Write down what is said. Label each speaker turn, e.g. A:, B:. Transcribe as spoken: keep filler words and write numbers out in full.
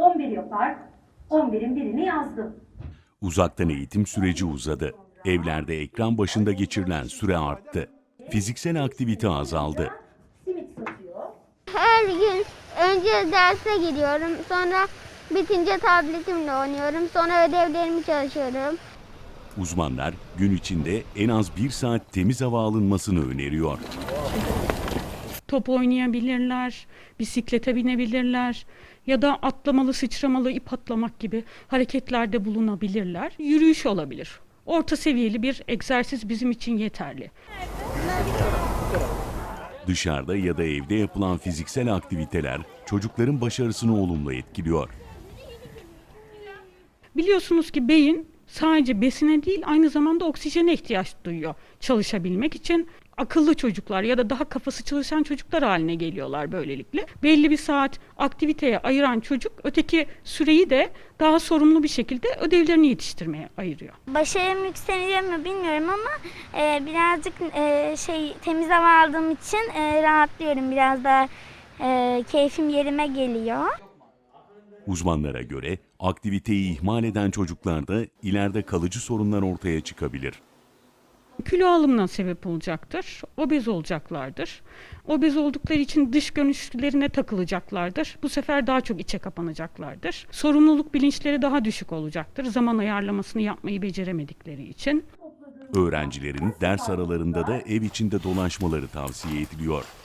A: on bir yapar. on birin birini yazdım.
B: Uzaktan eğitim süreci uzadı. Evlerde ekran başında geçirilen süre arttı. Fiziksel aktivite azaldı.
A: Simit satıyor.
C: Her gün önce derse gidiyorum, sonra bitince tabletimle oynuyorum, sonra ödevlerimi çalışıyorum.
B: Uzmanlar gün içinde en az bir saat temiz hava alınmasını öneriyor.
D: Top oynayabilirler, bisiklete binebilirler ya da atlamalı, sıçramalı, ip atlamak gibi hareketlerde bulunabilirler. Yürüyüş olabilir. Orta seviyeli bir egzersiz bizim için yeterli.
B: Dışarıda ya da evde yapılan fiziksel aktiviteler çocukların başarısını olumlu etkiliyor.
D: Biliyorsunuz ki beyin sadece besine değil aynı zamanda oksijene ihtiyaç duyuyor çalışabilmek için. Akıllı çocuklar ya da daha kafası çalışan çocuklar haline geliyorlar böylelikle. Belli bir saat aktiviteye ayıran çocuk öteki süreyi de daha sorumlu bir şekilde ödevlerini yetiştirmeye ayırıyor.
C: Başarım yükseliyor mu bilmiyorum ama e, birazcık e, şey temiz hava aldığım için e, rahatlıyorum. Biraz daha e, keyfim yerime geliyor.
B: Uzmanlara göre aktiviteyi ihmal eden çocuklarda ileride kalıcı sorunlar ortaya çıkabilir.
D: Kilo alımına sebep olacaktır, obez olacaklardır. Obez oldukları için dış görünüşlerine takılacaklardır. Bu sefer daha çok içe kapanacaklardır. Sorumluluk bilinçleri daha düşük olacaktır. Zaman ayarlamasını yapmayı beceremedikleri için.
B: Öğrencilerin ders aralarında da ev içinde dolaşmaları tavsiye ediliyor.